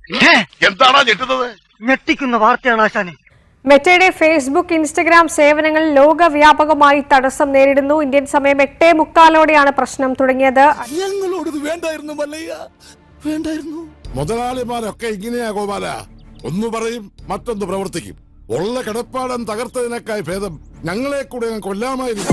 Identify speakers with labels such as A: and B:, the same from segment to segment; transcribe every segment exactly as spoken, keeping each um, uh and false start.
A: എന്താണോ ഞെട്ടുന്നത്?
B: ഞെട്ടിക്കുന്ന വാർത്തയാണ് ആശാനെ.
C: മെറ്റയുടെ ഫേസ്ബുക്ക് ഇൻസ്റ്റഗ്രാം സേവനങ്ങൾ ലോകവ്യാപകമായി തടസ്സം നേരിടുന്നു. ഇന്ത്യൻ സമയം എട്ടേ മുക്കാലോടെയാണ് പ്രശ്നം തുടങ്ങിയത്.
D: മുതലാളിമാരൊക്കെ ഇങ്ങനെയാ ഗോപാല, ഒന്ന് പറയും മറ്റൊന്ന് പ്രവർത്തിക്കും. ഉള്ള കിടപ്പാടം തകർത്തതിനേക്കായി ഭേദം ഞങ്ങളെ കൂടെ കൊല്ലാമായിരുന്നു.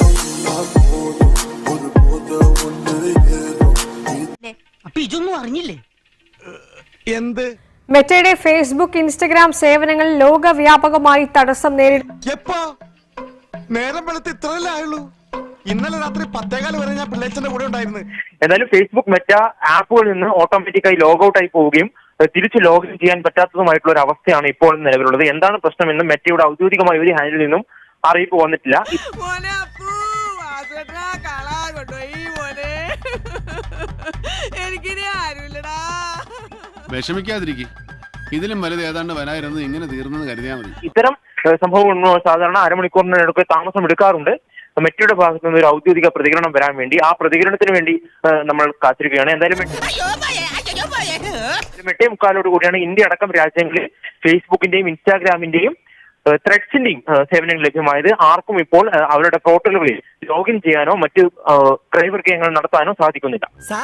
B: അപ്പൊ ഇതൊന്നും അറിഞ്ഞില്ലേ?
A: എന്ത്?
C: മെറ്റയുടെ ഫേസ്ബുക്ക് ഇൻസ്റ്റഗ്രാം സേവനങ്ങൾ ലോകവ്യാപകമായി തടസ്സം നേരിടുന്നു.
A: എപ്പോ? നേരം വെളുത്ത് ഇത്രയല്ലേ ആയുള്ളൂ. ഇന്നലെ രാത്രി പത്തേകാല് വരെ ഞാൻ പിള്ളേച്ചന്റെ കൂടെ ഉണ്ടായിരുന്നു.
E: എന്നാലും ഫേസ്ബുക്ക് മെറ്റ ആപ്പുകളിൽ നിന്ന് ഓട്ടോമാറ്റിക്കായി ലോഗ് ഔട്ട് ആയി പോവുകയും തിരിച്ച് ലോഗിൻ ചെയ്യാൻ പറ്റാത്തതുമായിട്ടുള്ള ഒരു അവസ്ഥയാണ് ഇപ്പോൾ നിലവിലുള്ളത്. എന്താണ് പ്രശ്നമെന്നും മെറ്റയുടെ ഔദ്യോഗികമായ ഒരു ഹാൻഡിൽ നിന്നും അറിയിപ്പ് വന്നിട്ടില്ല.
F: വിഷമിക്കാതിരിക്കും, ഇതിലും വലുത് ഏതാണ്ട് വരായിരുന്നു, ഇങ്ങനെ തീർന്നെന്ന് കരുതിയാൽ മതി.
E: ഇത്തരം സംഭവങ്ങൾ സാധാരണ അരമണിക്കൂറിനടുത്ത് താമസം എടുക്കാറുണ്ട്. മെറ്റയുടെ ഭാഗത്തു നിന്ന് ഒരു ഔദ്യോഗിക പ്രതികരണം വരാൻ വേണ്ടി, ആ പ്രതികരണത്തിന് വേണ്ടി നമ്മൾ കാത്തിരിക്കുകയാണ്. എന്തായാലും എട്ടേ മുക്കാലോട് കൂടിയാണ് ഇന്ത്യ അടക്കം രാജ്യങ്ങളിൽ ഫേസ്ബുക്കിന്റെയും ഇൻസ്റ്റാഗ്രാമിന്റെയും ത്രെഡ്സിന്റെയും സേവനങ്ങൾ ലഭ്യമായത്. ആർക്കും ഇപ്പോൾ അവരുടെ പോർട്ടലുകളിൽ ലോഗിൻ ചെയ്യാനോ മറ്റ് ക്രയവിക്രയങ്ങൾ നടത്താനോ സാധിക്കുന്നില്ല.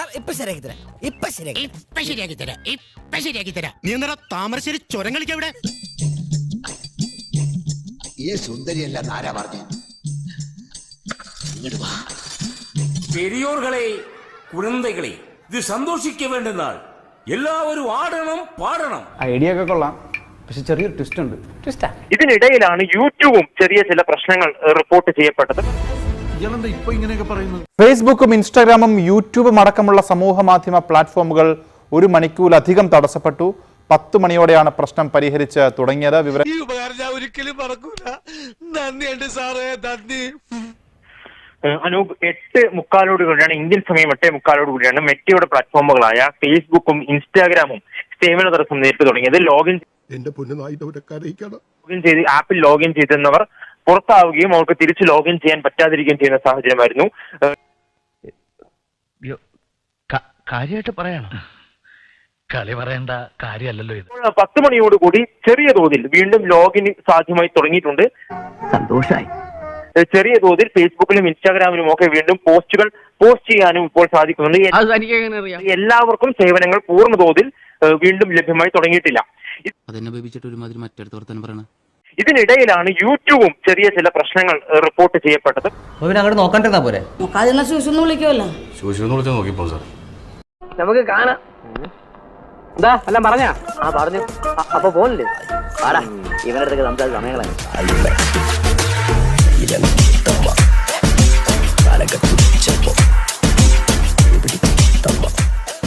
A: താമരശ്ശേരി ചുരം കളിക്കവിടെ
G: ഈ സുന്ദരിയല്ല ആരാ പറഞ്ഞു?
H: பெரியோர்களே, കുഴന്തകളെ, ഇത് സന്തോഷിക്ക വേണ്ട നാൾ. എല്ലാവരും ആടണം പാടണം.
I: ഐഡിയ ഒക്കെ കൊള്ളാം, പക്ഷെ ചെറിയൊരു ട്വിസ്റ്റ് ഉണ്ട്. ട്വിസ്റ്റാ?
E: ഇതിനിടയിലാണ് യൂട്യൂബും ചെറിയ ചില പ്രശ്നങ്ങൾ റിപ്പോർട്ട് ചെയ്യപ്പെട്ടത്.
J: ഫേസ്ബുക്കും ഇൻസ്റ്റാഗ്രാമും യൂട്യൂബും അടക്കമുള്ള സമൂഹ മാധ്യമ പ്ലാറ്റ്ഫോമുകൾ ഒരു മണിക്കൂറിലധികം തടസ്സപ്പെട്ടു. പത്ത് മണിയോടെയാണ് പ്രശ്നം പരിഹരിച്ച് തുടങ്ങിയത്. വിവരം
A: ഒരിക്കലും മറക്കൂല. നന്ദിയുണ്ട് സാറേ, നന്ദി.
E: അനൂപ്, എട്ട് മുക്കാലോട് കൂടിയാണ്, ഇന്ത്യൻ സമയം എട്ടേ മുക്കാലോട് കൂടിയാണ് മെറ്റയുടെ പ്ലാറ്റ്ഫോമുകളായ ഫേസ്ബുക്കും ഇൻസ്റ്റാഗ്രാമും സേവന തടസ്സം നേരിട്ട് തുടങ്ങിയത്. ലോഗിൻ ലോഗിൻ ചെയ്ത് ആപ്പിൽ ലോഗിൻ ചെയ്തെന്നവർ പുറത്താവുകയും അവർക്ക് തിരിച്ച് ലോഗിൻ ചെയ്യാൻ പറ്റാതിരിക്കുകയും ചെയ്യുന്ന സാഹചര്യമായിരുന്നു.
B: കാര്യമായിട്ട് പറയണം, കളി പറയേണ്ട കാര്യമല്ലല്ലോ ഇത്.
E: പത്ത് മണിയോടുകൂടി ചെറിയ തോതിൽ വീണ്ടും ലോഗിൻ സാധ്യമായി തുടങ്ങിയിട്ടുണ്ട്.
B: സന്തോഷായി.
E: ചെറിയ തോതിൽ ഫേസ്ബുക്കിലും ഇൻസ്റ്റാഗ്രാമിലും ഒക്കെ വീണ്ടും പോസ്റ്റുകൾ പോസ്റ്റ് ചെയ്യാനും ഇപ്പോൾ സാധിക്കുന്നുണ്ട്. എല്ലാവർക്കും സേവനങ്ങൾ പൂർണ്ണ തോതിൽ വീണ്ടും ലഭ്യമായി തുടങ്ങിയിട്ടില്ല. ഇതിനിടയിലാണ് യൂട്യൂബും ചെറിയ ചില പ്രശ്നങ്ങൾ റിപ്പോർട്ട് ചെയ്യപ്പെട്ടത്.
B: നമുക്ക് കാണാം. എന്താ എല്ലാം പറഞ്ഞാ? ആ പറഞ്ഞു. അപ്പൊ പോണില്ലേ? ഇവനടുത്തൊക്കെ സംസാരിച്ച സമയങ്ങളാണ്.